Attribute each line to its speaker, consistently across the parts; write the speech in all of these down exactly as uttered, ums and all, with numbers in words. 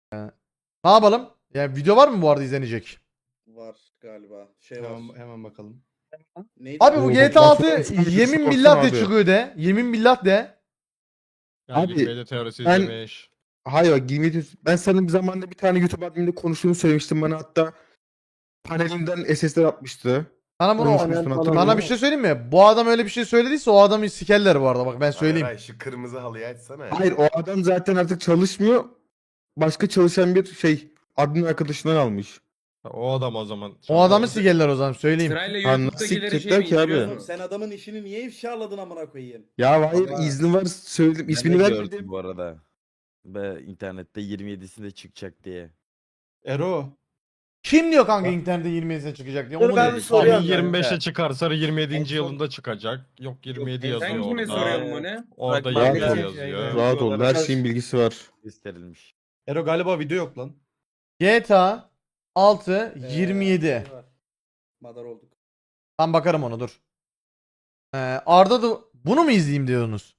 Speaker 1: Ne yapalım? Yani video var mı bu arada izlenecek?
Speaker 2: Var galiba. Şey var.
Speaker 3: Hemen, hemen bakalım.
Speaker 2: Neydi?
Speaker 1: Abi bu
Speaker 4: Oo,
Speaker 1: G T A
Speaker 4: bak,
Speaker 1: altı
Speaker 4: ben sana bir
Speaker 1: yemin
Speaker 4: sorsam
Speaker 1: billah de
Speaker 4: abi.
Speaker 1: çıkıyor de. Yemin billah de.
Speaker 3: Yani
Speaker 4: Abi,
Speaker 3: medya teorisi
Speaker 4: ben-
Speaker 3: izlemiş.
Speaker 4: Hayır bak girmedi. Ben sana bir zamanda bir tane YouTube admininde konuştuğunu söylemiştim bana, hatta panelimden S S'ler atmıştı.
Speaker 1: Sana bunu
Speaker 4: Konuşmuştun, hatırlıyorum.
Speaker 1: Sana bir şey söyleyeyim mi? Bu adam öyle bir şey söylediyse o adamı sikerler bu arada, bak ben söyleyeyim.
Speaker 5: Hayır, hayır, şu kırmızı halıyı açsana ya.
Speaker 4: Hayır, o adam zaten artık çalışmıyor. Başka çalışan bir şey admin arkadaşından almış.
Speaker 3: O adam o zaman.
Speaker 1: O adamı sikerler o zaman söyleyeyim.
Speaker 6: Sırayla
Speaker 4: Anla-
Speaker 6: YouTube'dakileri şey
Speaker 4: sikecekler
Speaker 6: mi
Speaker 4: ki abi.
Speaker 6: indiriyorsun?
Speaker 2: Oğlum sen adamın işini niye ifşaladın amına koyayım?
Speaker 4: Ya hayır,
Speaker 2: Ama-
Speaker 4: izni var, söyledim,
Speaker 7: Ben
Speaker 4: ismini
Speaker 7: de
Speaker 4: vermedim.
Speaker 7: gördüm bu arada. Ve internette yirmi yedisinde çıkacak diye.
Speaker 3: Ero.
Speaker 1: Kim diyor kanka internette yirmi yedisine çıkacak diye?
Speaker 2: Dur
Speaker 1: Onu
Speaker 2: ben
Speaker 1: diyor.
Speaker 2: bir soruyorum.
Speaker 3: Abi
Speaker 2: Soruyorum
Speaker 3: yirmi beşe
Speaker 7: kanka.
Speaker 3: çıkarsa yirmi yedinci
Speaker 7: En son-
Speaker 3: yılında çıkacak. Yok yirmi yedi yazıyor
Speaker 6: Sen
Speaker 3: orada.
Speaker 6: kime soruyorsun bunu?
Speaker 3: Orada
Speaker 7: Bak,
Speaker 3: yirmi
Speaker 4: rahat
Speaker 3: yedi
Speaker 4: ol.
Speaker 3: yazıyor.
Speaker 4: Rahat ol, her şeyin bilgisi var.
Speaker 7: Gösterilmiş.
Speaker 3: Ero galiba video yok lan.
Speaker 1: G T A altı
Speaker 2: Ee,
Speaker 1: yirmi yedi.
Speaker 2: şey var. Madar olduk.
Speaker 1: Ben bakarım ona, dur. Ee, Arda da bunu mu izleyeyim diyorsunuz?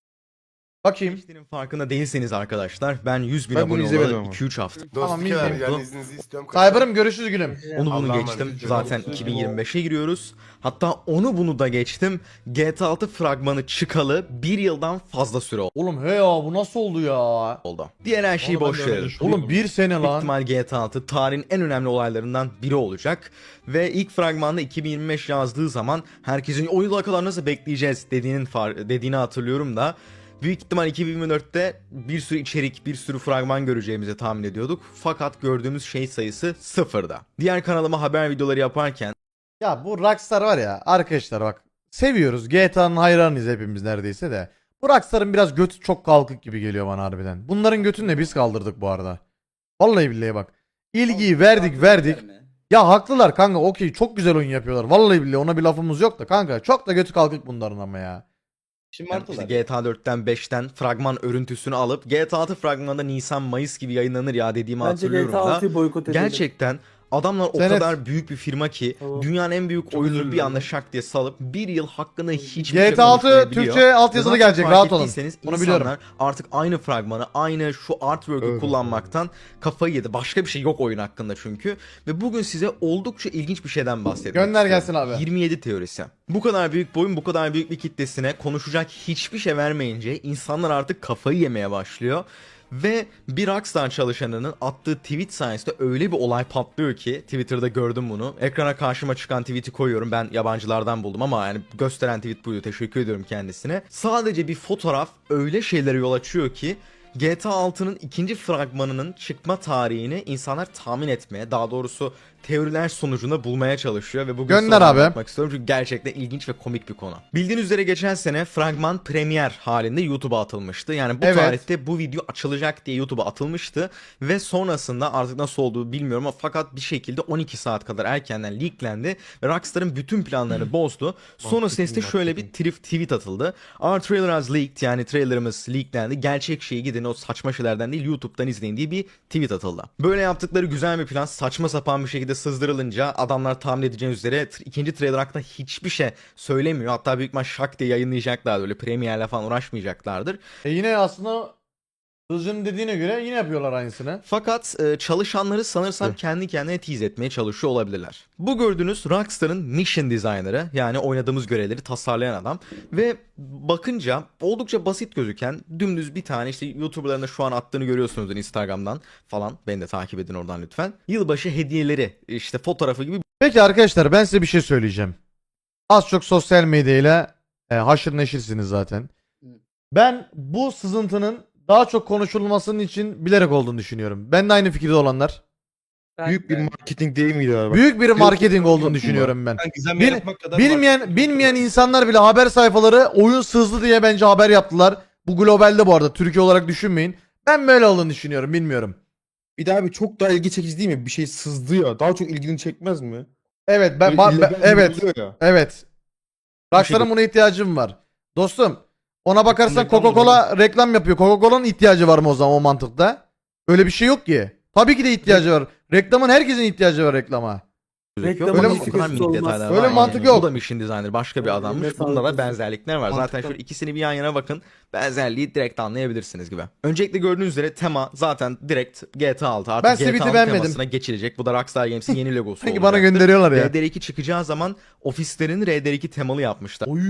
Speaker 1: Bakayım.
Speaker 8: Geçtiğinin farkında değilseniz arkadaşlar, ben yüz bin
Speaker 4: Ben bunu
Speaker 8: abone
Speaker 4: izlemedim
Speaker 8: olalı
Speaker 4: ama.
Speaker 8: iki üç hafta
Speaker 1: Tamam,
Speaker 5: Dostluk
Speaker 1: izleyeyim.
Speaker 5: yani, yani izninizi istiyorum.
Speaker 1: Cyber'ım görüşürüz gülüm.
Speaker 8: onu bunu
Speaker 5: Allah'a
Speaker 8: geçtim.
Speaker 5: emanet.
Speaker 8: Zaten iki bin yirmi beşe giriyoruz. Hatta onu bunu da geçtim. G T A altı fragmanı çıkalı bir yıldan fazla süre
Speaker 1: Oğlum he ya, bu nasıl oldu ya?
Speaker 8: oldu. Diğer her şeyi
Speaker 3: Onu ben
Speaker 8: boş
Speaker 3: de öyle
Speaker 8: verin.
Speaker 3: düşünüyorum.
Speaker 1: Oğlum bir sene
Speaker 8: Büyük
Speaker 1: lan.
Speaker 8: ihtimal G T A altı tarihin en önemli olaylarından biri olacak. Ve ilk fragmanda iki bin yirmi beş yazdığı zaman herkesin o yıla kadar nasıl bekleyeceğiz dediğinin far dediğini hatırlıyorum da büyük ihtimal iki bin yirmi dörtte bir sürü içerik, bir sürü fragman göreceğimizi tahmin ediyorduk. Fakat gördüğümüz şey sayısı sıfırda. Diğer kanalıma haber videoları yaparken
Speaker 1: Ya bu Rockstar var ya arkadaşlar, bak seviyoruz, G T A'nın hayranıyız hepimiz neredeyse de. Bu Rockstar'ın biraz götü çok kalkık gibi geliyor bana harbiden. Bunların götünü de biz kaldırdık bu arada. Vallahi billahi bak. İlgiyi verdik verdik. Ya haklılar kanka, okey, çok güzel oyun yapıyorlar. Vallahi billahi ona bir lafımız yok da kanka, çok da götü kalkık bunların ama ya.
Speaker 8: yani işte G T A dörtten beşten fragman örüntüsünü alıp G T A altı fragmanında Nisan-Mayıs gibi yayınlanır ya dediğimi hatırlıyorum da.
Speaker 9: boykot edelim.
Speaker 8: Gerçekten adamlar o
Speaker 1: Senet.
Speaker 8: kadar büyük bir firma ki
Speaker 9: Tamam.
Speaker 8: dünyanın en büyük
Speaker 3: Çok
Speaker 8: oyununu
Speaker 3: özür
Speaker 8: bir
Speaker 3: dilerim.
Speaker 8: anda şak diye salıp bir yıl hakkında hiçbir
Speaker 1: G
Speaker 8: şey
Speaker 1: T A altı
Speaker 8: konuşmayabiliyor.
Speaker 1: Türkçe altyazılı
Speaker 8: Zaten
Speaker 1: gelecek,
Speaker 8: fark
Speaker 1: rahat olun.
Speaker 8: ettiyseniz
Speaker 1: Onu
Speaker 8: insanlar
Speaker 1: biliyorum.
Speaker 8: artık aynı fragmanı, aynı şu artwork'ü
Speaker 4: Evet.
Speaker 8: kullanmaktan kafayı yedi. Başka bir şey yok oyun hakkında çünkü. Ve bugün size oldukça ilginç bir şeyden bahsetmek
Speaker 1: Gönder
Speaker 8: istiyorum.
Speaker 1: gelsin abi.
Speaker 8: yirmi yedi teorisi. Bu kadar büyük boyun, bu kadar büyük bir kitlesine konuşacak hiçbir şey vermeyince insanlar artık kafayı yemeye başlıyor. Ve bir Rockstar çalışanının attığı tweet sayesinde öyle bir olay patlıyor ki, Twitter'da gördüm bunu. Ekrana karşıma çıkan tweet'i koyuyorum. Ben yabancılardan buldum ama yani gösteren tweet buydu. Teşekkür ediyorum kendisine. Sadece bir fotoğraf öyle şeylere yol açıyor ki G T A altının ikinci fragmanının çıkma tarihini insanlar tahmin etmeye, daha doğrusu teoriler sonucunda bulmaya çalışıyor ve bugün
Speaker 1: Gönder
Speaker 8: sana
Speaker 1: abi.
Speaker 8: anlatmak istiyorum çünkü gerçekten ilginç ve komik bir konu. Bildiğiniz üzere geçen sene fragman premier halinde YouTube'a atılmıştı. Yani bu
Speaker 1: Evet.
Speaker 8: tarihte bu video açılacak diye YouTube'a atılmıştı ve sonrasında artık nasıl olduğu bilmiyorum ama fakat bir şekilde on iki saat kadar erkenden leaklendi ve Rockstar'ın bütün planlarını bozdu. Sonrasında ise şöyle bir trif- tweet atıldı. Our trailer has leaked, yani trailerımız leaklendi. Gerçek şeyi gidin o saçma şeylerden değil YouTube'dan izleyin diye bir tweet atıldı. Böyle yaptıkları güzel bir plan saçma sapan bir şekilde sızdırılınca adamlar tahmin edeceğiniz üzere t- ikinci trailer hakkında hiçbir şey söylemiyor. Hatta büyük ihtimal şak diye yayınlayacaklardır. Öyle premierle falan uğraşmayacaklardır.
Speaker 1: E yine aslında Hızcı'nın dediğine göre yine yapıyorlar aynısını.
Speaker 8: Fakat e, çalışanları sanırsam
Speaker 4: Evet.
Speaker 8: kendi kendine tease etmeye çalışıyor olabilirler. Bu gördüğünüz Rockstar'ın mission designer'ı, yani oynadığımız görevleri tasarlayan adam ve bakınca oldukça basit gözüken dümdüz bir tane, işte YouTuber'ların da şu an attığını görüyorsunuzdur Instagram'dan falan. Beni de takip edin oradan lütfen. Yılbaşı hediyeleri işte fotoğrafı gibi
Speaker 1: Peki arkadaşlar, ben size bir şey söyleyeceğim. Az çok sosyal medyayla e, haşır neşirsiniz zaten. Ben bu sızıntının daha çok konuşulmasının için bilerek olduğunu düşünüyorum. Ben de aynı fikirde olanlar.
Speaker 4: Büyük bir marketing değil miydi abi?
Speaker 1: Büyük bir marketing olduğunu düşünüyorum ben.
Speaker 3: Ben gizem
Speaker 1: Bil-
Speaker 3: yaratmak kadar
Speaker 1: Bilmeyen bilmeyen insanlar bile haber sayfaları oyun sızdı diye bence haber yaptılar. Bu globalde bu arada, Türkiye olarak düşünmeyin. Ben böyle olduğunu düşünüyorum, bilmiyorum.
Speaker 4: Bir daha abi, çok daha ilgi çekici değil mi? Bir şey sızdı ya. Daha çok ilgini çekmez mi?
Speaker 1: Evet ben,
Speaker 4: Böyle
Speaker 1: ba-
Speaker 4: illegal
Speaker 1: ben-
Speaker 4: bir
Speaker 1: evet
Speaker 4: oluyor ya.
Speaker 1: evet. Rockstar'ın
Speaker 8: şey-
Speaker 1: buna ihtiyacım var. Dostum, ona bakarsan
Speaker 3: reklam
Speaker 1: Coca-Cola reklam yapıyor. Coca-Cola'nın ihtiyacı var mı o zaman o mantıkta? Öyle bir şey yok ki. Tabii ki de ihtiyacı var. Reklamın, herkesin ihtiyacı var reklama.
Speaker 8: gözüküyor.
Speaker 6: Reklamın
Speaker 8: Fakat o kadar
Speaker 6: etikası
Speaker 8: minik
Speaker 6: olmaz.
Speaker 8: detaylar
Speaker 1: Öyle
Speaker 8: var yani.
Speaker 1: mantık yok.
Speaker 8: Bu da mission designer başka bir
Speaker 6: Öyle
Speaker 8: adammış.
Speaker 6: sağlık
Speaker 8: Bunlara
Speaker 6: olsun.
Speaker 8: benzerlikler var. Zaten
Speaker 3: Mantıklı.
Speaker 8: şöyle ikisini bir yan yana bakın. Benzerliği direkt anlayabilirsiniz gibi. Öncelikle gördüğünüz üzere tema zaten direkt G T A altı. Artık
Speaker 1: Ben
Speaker 8: G T
Speaker 1: Sweet'i
Speaker 8: A'nın
Speaker 1: beğenmedim.
Speaker 8: temasına geçilecek. Bu da Rockstar Games'in yeni logosu
Speaker 1: Sanki
Speaker 8: olacaktır.
Speaker 1: bana gönderiyorlar ya.
Speaker 8: R D R iki çıkacağı zaman ofislerin R D R iki temalı yapmışlar.
Speaker 1: Oy.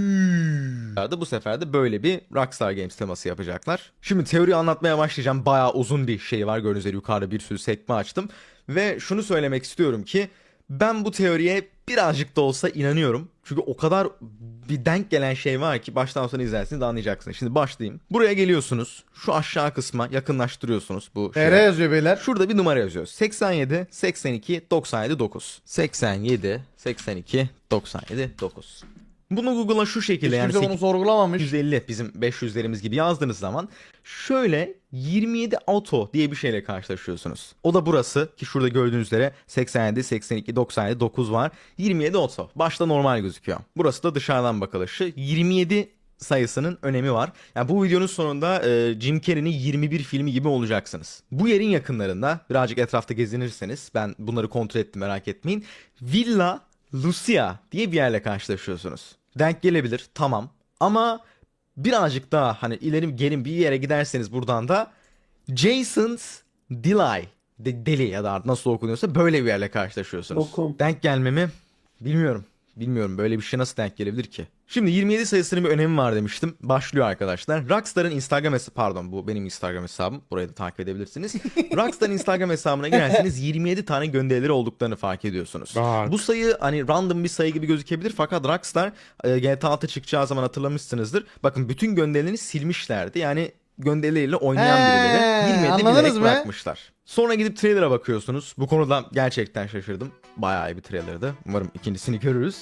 Speaker 8: Bu sefer de böyle bir Rockstar Games teması yapacaklar. Şimdi teoriyi anlatmaya başlayacağım. Bayağı uzun bir şey var. Gördüğünüz üzere yukarıda bir sürü sekme açtım. Ve şunu söylemek istiyorum ki ben bu teoriye birazcık da olsa inanıyorum. Çünkü o kadar bir denk gelen şey var ki baştan sona izlersiniz de anlayacaksınız. Şimdi başlayayım. Buraya geliyorsunuz. Şu aşağı kısma yakınlaştırıyorsunuz bu şeye.
Speaker 1: Nereye yazıyor beyler?
Speaker 8: Şurada bir numara yazıyor. seksen yedi seksen iki doksan yedi dokuz. seksen yedi seksen iki doksan yedi dokuz. Bunu Google'a şu şekilde
Speaker 1: Hiç
Speaker 8: yani
Speaker 1: kimse bunu sorgulamamış.
Speaker 8: sekiz yüz elli bizim beş yüzlerimiz gibi yazdığınız zaman şöyle yirmi yedi auto diye bir şeyle karşılaşıyorsunuz. O da burası ki şurada gördüğünüz üzere seksen yedi seksen iki doksan yedi dokuz var. yirmi yedi auto. Başta normal gözüküyor. Burası da dışarıdan bakılışı. yirmi yedi sayısının önemi var. Yani bu videonun sonunda e, Jim Carrey'nin yirmi bir filmi gibi olacaksınız. Bu yerin yakınlarında birazcık etrafta gezinirseniz ben bunları kontrol ettim merak etmeyin. Villa Lucia diye bir yerle karşılaşıyorsunuz. Denk gelebilir tamam ama birazcık daha hani ileri gelin bir yere giderseniz buradan da Jason's Deli de, deli ya da nasıl okunuyorsa böyle bir yerle karşılaşıyorsunuz.
Speaker 6: Okum.
Speaker 8: Denk gelmemi bilmiyorum. Bilmiyorum böyle bir şey nasıl denk gelebilir ki? Şimdi yirmi yedi sayısının bir önemi var demiştim. Başlıyor arkadaşlar. Rockstar'ın Instagram hesabı pardon bu benim Instagram hesabım. Burayı da takip edebilirsiniz. Rockstar'ın Instagram hesabına girerseniz yirmi yedi tane gönderileri olduklarını fark ediyorsunuz.
Speaker 4: Bak.
Speaker 8: Bu sayı hani random bir sayı gibi gözükebilir fakat Rockstar e, G T A altı çıkacağı zaman hatırlamışsınızdır. Bakın bütün gönderilerini silmişlerdi. Yani gönderileriyle oynayan
Speaker 1: He,
Speaker 8: birileri yirmi yedi
Speaker 1: anladınız
Speaker 8: bilerek
Speaker 1: mı?
Speaker 8: bırakmışlar. Sonra gidip trailer'a bakıyorsunuz. Bu konuda gerçekten şaşırdım. Bayağı iyi bir trailer'dı. Umarım ikincisini görürüz.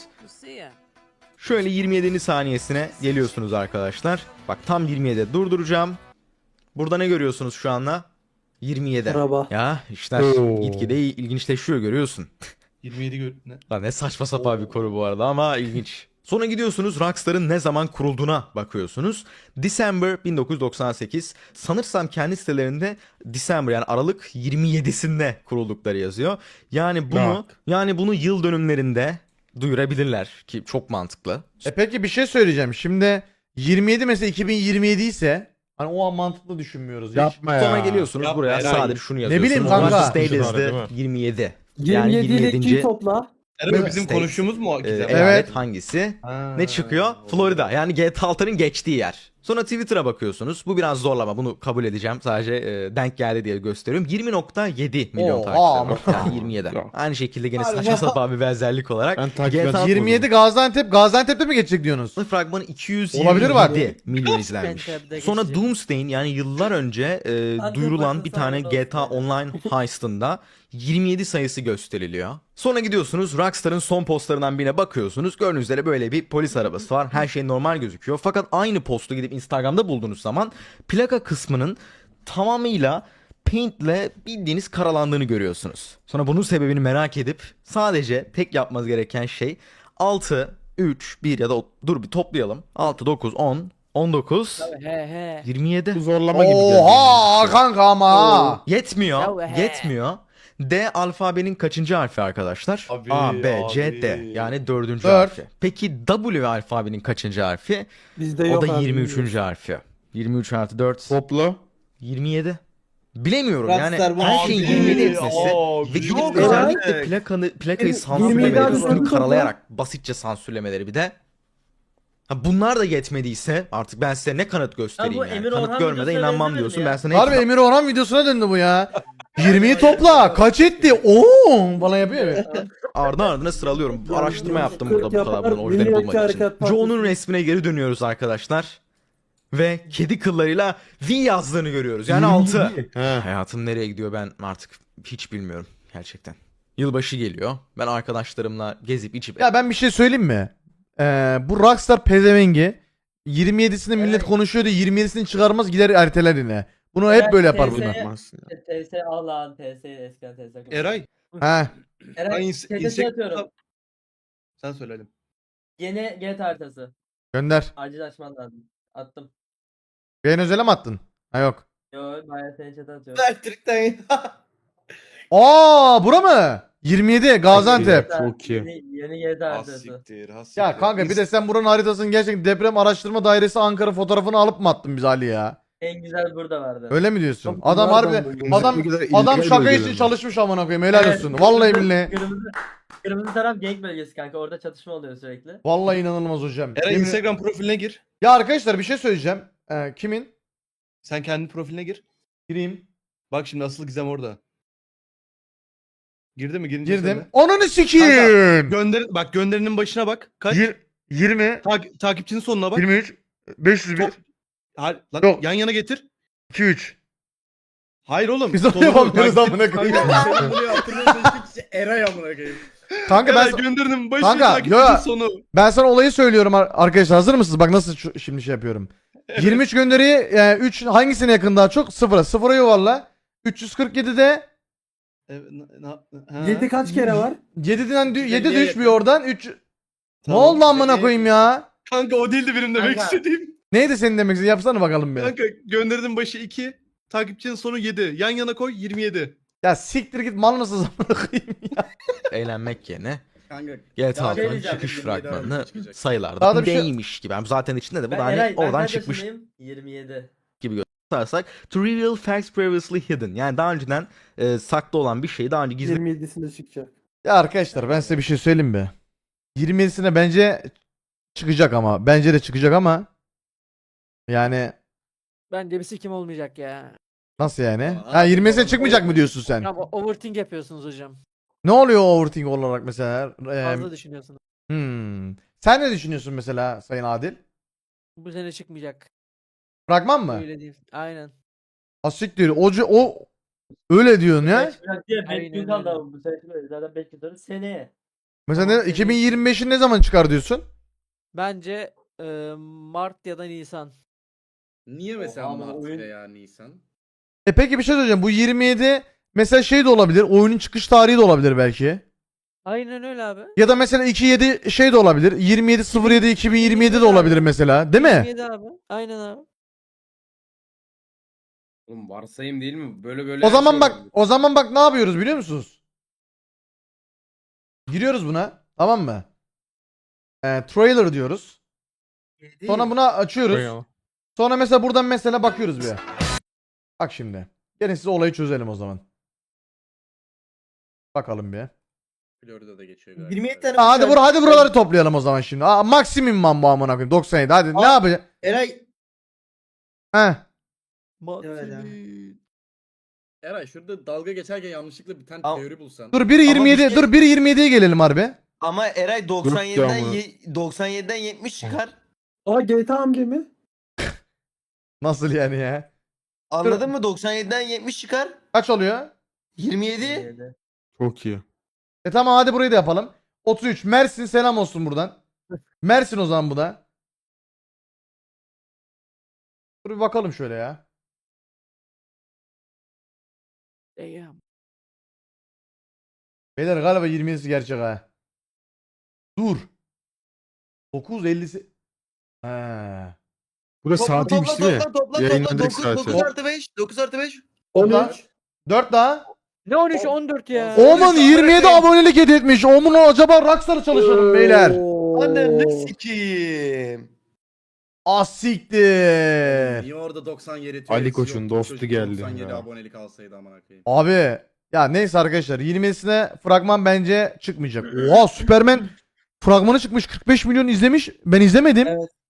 Speaker 8: Şöyle yirmi yedinci saniyesine geliyorsunuz arkadaşlar. Bak tam yirmi yedide durduracağım. Burada ne görüyorsunuz şu anda? yirmi yedi.
Speaker 6: Araba.
Speaker 8: Ya işler
Speaker 4: Oo.
Speaker 8: gitgide ilginçleşiyor görüyorsun.
Speaker 3: yirmi yedi gör... Ne?
Speaker 8: Lan ne saçma sapan bir konu bu arada ama ilginç. Sonra gidiyorsunuz Rockstar'ın ne zaman kurulduğuna bakıyorsunuz. December bin dokuz yüz doksan sekiz. Sanırsam kendi sitelerinde December yani Aralık yirmi yedisinde kuruldukları yazıyor. Yani bunu
Speaker 4: Bak.
Speaker 8: yani bunu yıl dönümlerinde duyurabilirler ki çok mantıklı.
Speaker 1: E peki bir şey söyleyeceğim. Şimdi yirmi yedi mesela iki bin yirmi yedi ise hani o an mantıklı düşünmüyoruz hiç.
Speaker 4: Yapma ya.
Speaker 8: Sonra geliyorsunuz
Speaker 3: Yapma
Speaker 8: buraya
Speaker 3: Eray.
Speaker 8: sadece şunu yazıyorsunuz.
Speaker 1: bileyim kanka.
Speaker 8: United
Speaker 3: Değil
Speaker 8: States'de
Speaker 3: mi?
Speaker 8: yirmi yedi.
Speaker 6: yirmi yedi ile ikiyi
Speaker 8: yirmi
Speaker 6: topla.
Speaker 3: Ero bizim
Speaker 8: States.
Speaker 3: konuştuğumuz mu o
Speaker 8: Ee,
Speaker 3: gizem?
Speaker 8: eyalet
Speaker 1: Evet.
Speaker 8: hangisi?
Speaker 3: Ha,
Speaker 8: Ne çıkıyor?
Speaker 3: oldu.
Speaker 8: Florida. Yani G T A altı'nın geçtiği yer. Sonra Twitter'a bakıyorsunuz. Bu biraz zorlama. Bunu kabul edeceğim. Sadece e, denk geldi diye gösteriyorum. yirmi nokta yedi milyon
Speaker 1: Oha,
Speaker 8: takipçileri var. Yani yirmi yedi.
Speaker 4: Yok.
Speaker 8: Aynı şekilde gene
Speaker 1: Hadi
Speaker 8: saçma
Speaker 1: ya.
Speaker 8: sapan bir benzerlik olarak.
Speaker 4: Ben takip
Speaker 8: G T A
Speaker 4: ettim.
Speaker 1: yirmi yedi Gaziantep. Gaziantep'te mi geçecek diyorsunuz?
Speaker 8: fragmanı iki yüz
Speaker 1: Olabilir
Speaker 8: yirmi
Speaker 1: bak.
Speaker 8: yedi milyon izlenmiş.
Speaker 9: Gaziantep'te
Speaker 8: Sonra
Speaker 9: geçecek.
Speaker 8: Doomsday'in yani yıllar önce e,
Speaker 9: Antep
Speaker 8: duyurulan
Speaker 9: bakın
Speaker 8: bir tane
Speaker 9: sağda
Speaker 8: G T A
Speaker 9: olsun.
Speaker 8: Online heist'ında yirmi yedi sayısı gösteriliyor. Sonra gidiyorsunuz Rockstar'ın son postlarından birine bakıyorsunuz. Gördüğünüz üzere böyle bir polis arabası var. Her şey normal gözüküyor. Fakat aynı postu gidip Instagram'da bulduğunuz zaman plaka kısmının tamamıyla paintle bildiğiniz karalandığını görüyorsunuz. Sonra bunun sebebini merak edip sadece tek yapmanız gereken şey altı, üç, bir ya da o- dur bir toplayalım. altı, dokuz, on, on dokuz,
Speaker 9: He he.
Speaker 8: yirmi yedi.
Speaker 4: Bu zorlama gibi geldi.
Speaker 1: Oha kanka ama. ha.
Speaker 8: Yetmiyor.
Speaker 9: Ya he.
Speaker 8: Yetmiyor. D alfabenin kaçıncı harfi arkadaşlar?
Speaker 3: Abi,
Speaker 8: A, B, C,
Speaker 3: abi.
Speaker 8: D. Yani dördüncü
Speaker 1: Dört.
Speaker 8: harfi. Peki W alfabenin kaçıncı harfi?
Speaker 6: Bizde
Speaker 8: O
Speaker 6: yok
Speaker 8: da
Speaker 6: abi,
Speaker 8: yirmi üçüncü harfi. yirmi üç artı dört.
Speaker 4: Topla.
Speaker 8: yirmi yedi. Bilemiyorum
Speaker 2: Rockstar
Speaker 8: yani
Speaker 2: bu
Speaker 8: her şeyin
Speaker 3: abi,
Speaker 8: yirmi yedi etmesi
Speaker 3: abi,
Speaker 8: ve gidip
Speaker 3: yok
Speaker 8: özellikle
Speaker 3: artık.
Speaker 8: plakanı, plakayı
Speaker 6: yirmi yedi
Speaker 8: sansürlemeleri,
Speaker 6: artı
Speaker 8: üstünü
Speaker 6: dört
Speaker 8: karalayarak basitçe sansürlemeleri bir de. Ha, bunlar da yetmediyse artık ben size ne kanıt göstereyim
Speaker 9: bu
Speaker 8: yani.
Speaker 9: Emir
Speaker 8: Kanıt
Speaker 9: Orhan
Speaker 8: görmeden
Speaker 9: videosuna
Speaker 8: inanmam
Speaker 9: benzemedi
Speaker 8: diyorsun
Speaker 9: ya.
Speaker 8: ben sana
Speaker 1: Harbi
Speaker 8: hep-
Speaker 1: Emir Orhan videosuna döndü bu ya. yirmiyi topla. Kaç etti? Oo, bana yapıyor ya.
Speaker 8: Ardı ardına sıralıyorum. Bu araştırma yaptım
Speaker 6: kırk
Speaker 8: burada bu kadar
Speaker 6: yapar,
Speaker 8: bunun orijinali
Speaker 6: Milliyetçi
Speaker 8: bulmak için.
Speaker 6: Hareket Partisi.
Speaker 8: Joe'nun resmine geri dönüyoruz arkadaşlar. Ve kedi kıllarıyla V yazdığını görüyoruz. Yani altı.
Speaker 4: He.
Speaker 8: Hayatım nereye gidiyor ben artık hiç bilmiyorum gerçekten. Yılbaşı geliyor. Ben arkadaşlarımla gezip içip
Speaker 1: Ya ben bir şey söyleyeyim mi? Ee, bu Rockstar pezevengi yirmi yedisinde millet
Speaker 9: Evet.
Speaker 1: konuşuyordu. yirmi yedisini çıkarmaz gider erteler yine. Bunu hep böyle yapar
Speaker 9: Evet,
Speaker 1: bunlar.
Speaker 4: Yapmazsın ya.
Speaker 9: T S Allah'ın T S eskiden T S.
Speaker 3: Eray.
Speaker 1: He.
Speaker 3: Ben
Speaker 9: Eray
Speaker 3: ins-
Speaker 9: T S
Speaker 3: insek-
Speaker 9: atıyorum.
Speaker 3: Sen söyledim.
Speaker 9: Yeni G T A haritası.
Speaker 1: Gönder.
Speaker 9: Acil açman lazım. Attım.
Speaker 1: Yayın özele mi attın? Ha yok.
Speaker 9: Yo bayağı seni chat'e atıyorum.
Speaker 2: Elektrikten
Speaker 1: Aa bura mı? yirmi yedi Gaziantep.
Speaker 9: G T A
Speaker 4: Çok iyi.
Speaker 9: Yeni, yeni G T A haritası.
Speaker 3: Hassiktir, hassiktir.
Speaker 1: Ya kanka bir de sen buranın haritasının gerçekten deprem araştırma dairesi Ankara fotoğrafını alıp mı attın biz Ali ya?
Speaker 9: En güzel burada vardı.
Speaker 1: Öyle mi diyorsun?
Speaker 4: Çok
Speaker 1: Adam
Speaker 4: güzel
Speaker 1: harbi
Speaker 4: adam bu.
Speaker 1: adam
Speaker 4: Ne kadar
Speaker 1: adam
Speaker 4: illegal
Speaker 1: şaka için
Speaker 4: bölgeler.
Speaker 1: çalışmış amına koyayım. Helal
Speaker 9: Evet,
Speaker 1: olsun. Vallahi
Speaker 9: kırmızı-
Speaker 1: billahi.
Speaker 9: Kırmızı, kırmızı taraf gang bölgesi kanka. Orada çatışma oluyor sürekli.
Speaker 1: Vallahi inanılmaz hocam.
Speaker 3: Eray
Speaker 1: Yemin-
Speaker 3: Instagram profiline gir.
Speaker 1: Ya arkadaşlar bir şey söyleyeceğim. Ee, kimin?
Speaker 3: Sen kendi profiline gir.
Speaker 1: Gireyim.
Speaker 3: Bak şimdi asıl gizem orada. Girdi mi? Girince
Speaker 1: Girdim.
Speaker 3: söyle.
Speaker 1: Ananı sikeyim.
Speaker 3: Gönder bak gönderinin başına bak. Kaç?
Speaker 1: Yir- yirmi,
Speaker 3: Tak- takipçinin sonuna bak.
Speaker 1: yirmi üç, beş yüz bir,
Speaker 3: Top- Hayır, lan
Speaker 1: Yok.
Speaker 3: yan yana getir.
Speaker 1: iki üç.
Speaker 3: Hayır oğlum.
Speaker 1: Biz onu
Speaker 3: sonunu
Speaker 1: yapamıyoruz
Speaker 3: takip-
Speaker 1: amına koyayım.
Speaker 2: Kanka senin bunu yaptırmaya çalıştık işte Eray amına koyayım.
Speaker 1: Kanka ben
Speaker 3: Eray gönderinin başı
Speaker 1: Kanka,
Speaker 3: takipçinin
Speaker 1: yo-
Speaker 3: sonu.
Speaker 1: ben sana olayı söylüyorum ar- arkadaşlar. Hazır mısınız? Bak nasıl şu- şimdi şey yapıyorum. yirmi üç gönderiyi yani üç hangisine yakın daha çok? Sıfıra. Sıfıra yuvarla. üç yüz kırk yedide
Speaker 3: Evet, na- na- ha.
Speaker 6: yedi kaç kere var?
Speaker 1: yediden
Speaker 2: üç yüz
Speaker 1: yedi
Speaker 2: elliye
Speaker 1: düşmüyor oradan. üç Ne
Speaker 3: Tamam.
Speaker 1: oldu amına koyayım ya?
Speaker 3: Kanka o değildi benim demek
Speaker 9: Kanka.
Speaker 3: istediğim.
Speaker 1: Neydi senin demek istediğin? Yapsana bakalım bir.
Speaker 3: Kanka gönderinin başı iki. Takipçinin sonu yedi. Yan yana koy yirmi yedi.
Speaker 1: Ya siktir git mal nasıl amına koyayım ya.
Speaker 8: Eğlenmek yerine
Speaker 2: Kanka
Speaker 8: G T A
Speaker 2: Daha
Speaker 8: altı'nın
Speaker 9: diyeceğim,
Speaker 8: çıkış
Speaker 2: yirmi yedi
Speaker 8: fragmanını
Speaker 2: Aralık'ta çıkacak.
Speaker 8: sayılarda
Speaker 1: Daha da bir şey-
Speaker 8: değilmiş gibi. Yani zaten içinde de bu
Speaker 9: Ben
Speaker 8: da hani
Speaker 9: Eray, ben
Speaker 8: oradan
Speaker 9: kaç
Speaker 8: çıkmış
Speaker 9: yaşındayım? yirmi yedi.
Speaker 8: tutarsak. To reveal facts previously hidden. Yani daha önceden e, saklı olan bir şeyi daha önce gizli
Speaker 6: yirmi yedisinde çıkacak.
Speaker 1: Ya arkadaşlar ben size bir şey söyleyeyim mi? yirmi yedisine bence çıkacak ama. Bence de çıkacak ama. Yani
Speaker 10: Bence bir sikim olmayacak ya.
Speaker 1: nasıl yani?
Speaker 2: Aa,
Speaker 1: Ha yirmi yedisine
Speaker 2: doğru.
Speaker 1: çıkmayacak mı diyorsun sen?
Speaker 10: Ama overthink yapıyorsunuz hocam.
Speaker 1: Ne oluyor o overthink olarak mesela? Ee,
Speaker 10: Fazla düşünüyorsunuz.
Speaker 1: hmm. Sen ne düşünüyorsun mesela Sayın Adil?
Speaker 10: Bu sene çıkmayacak.
Speaker 1: Fragman mı?
Speaker 10: Öyle diyeyim. Aynen.
Speaker 1: Asiktir. O, o öyle diyorsun ya.
Speaker 9: Çıkacak diye beş
Speaker 10: Aynen
Speaker 9: gün kaldı
Speaker 10: öyle.
Speaker 9: ama bu sene çıkıyor. Zaten beş gün sonra seneye.
Speaker 1: Mesela
Speaker 10: Tamam,
Speaker 1: ne,
Speaker 10: seni-
Speaker 1: iki bin yirmi beşin ne zaman çıkar diyorsun?
Speaker 10: Bence e, Mart ya da Nisan.
Speaker 2: Niye mesela
Speaker 9: ama
Speaker 2: Mart
Speaker 9: oyun-
Speaker 2: veya Nisan?
Speaker 1: E peki bir şey söyleyeceğim. Bu yirmi yedi mesela şey de olabilir. Oyunun çıkış tarihi de olabilir belki.
Speaker 10: Aynen öyle abi.
Speaker 1: Ya da mesela iki yedi şey de olabilir. yirmi yedi sıfır yedi iki bin yirmi yedi de olabilir mesela. Değil mi?
Speaker 10: yirmi yedi abi. Aynen abi.
Speaker 6: Oğlum varsayım değil mi? Böyle böyle
Speaker 1: O zaman bak,
Speaker 6: yapıyorum.
Speaker 1: o zaman bak ne yapıyoruz biliyor musunuz? Giriyoruz buna, tamam mı? Ee, trailer diyoruz. Sonra buna açıyoruz. Sonra mesela buradan mesela bakıyoruz bir. Bak şimdi. Gelin size olayı çözelim o zaman. Bakalım bir.
Speaker 2: Florida'da geçiyor galiba.
Speaker 9: yirmi yedi tane
Speaker 1: Ha, hadi
Speaker 9: uçak-
Speaker 1: bur hadi buraları toplayalım o zaman şimdi. Aa, maksimum man bu amına koyayım doksan yedi. Hadi ne
Speaker 9: Aa.
Speaker 1: yapacağız?
Speaker 9: Eray.
Speaker 1: He.
Speaker 9: Evet abi.
Speaker 2: Eray şurada dalga geçerken yanlışlıkla bir tane
Speaker 11: Al.
Speaker 2: teori bulsan.
Speaker 1: Dur biri
Speaker 11: Ama
Speaker 1: yirmi yedi
Speaker 11: bir şey-
Speaker 1: dur biri yirmi yediye gelelim harbi.
Speaker 11: Ama Eray
Speaker 4: ya
Speaker 11: doksan yediden
Speaker 4: ama.
Speaker 11: ye- doksan yediden yetmiş çıkar.
Speaker 6: Aa G T A amca mı?
Speaker 1: Nasıl yani ya?
Speaker 11: Anladın mı? doksan yediden yetmiş çıkar.
Speaker 1: Kaç oluyor?
Speaker 11: yirmi yedi.
Speaker 9: yirmi yedi.
Speaker 4: Çok iyi.
Speaker 1: E tamam hadi burayı da yapalım. otuz üç. Mersin selam olsun buradan. Mersin o zaman bu da. Dur bir bakalım şöyle ya.
Speaker 10: Damn.
Speaker 1: Beyler galiba yirmi yedisi gerçek ha. Dur. dokuz ellisi. He.
Speaker 4: Burası
Speaker 11: Topla
Speaker 4: saatiymiş
Speaker 11: topla
Speaker 4: değil mi?
Speaker 11: topla topla topla.
Speaker 4: Yayınlanacak
Speaker 11: dokuz
Speaker 4: saati.
Speaker 11: dokuz artı beş. dokuz artı beş.
Speaker 6: on
Speaker 1: Topla.
Speaker 6: üç.
Speaker 1: dört daha.
Speaker 10: Ne on üç on dört ya.
Speaker 1: Oman yirmi yedi abonelik hediye etmiş. Oman acaba Rockstar çalışalım beyler.
Speaker 11: Ananı sikiyim.
Speaker 1: Asiktir.
Speaker 2: Niye orada doksan yedi
Speaker 4: Ali
Speaker 2: teorisi
Speaker 4: Koç'un
Speaker 2: yok?
Speaker 4: dostu
Speaker 2: Çocuk
Speaker 4: geldi
Speaker 2: doksan yedi
Speaker 4: ya.
Speaker 2: abonelik alsaydı amına koyayım.
Speaker 1: Abi ya neyse arkadaşlar yirmi yedisine fragman bence çıkmayacak. Oha Superman fragmanı çıkmış kırk beş milyon izlemiş. Ben izlemedim.
Speaker 9: Evet.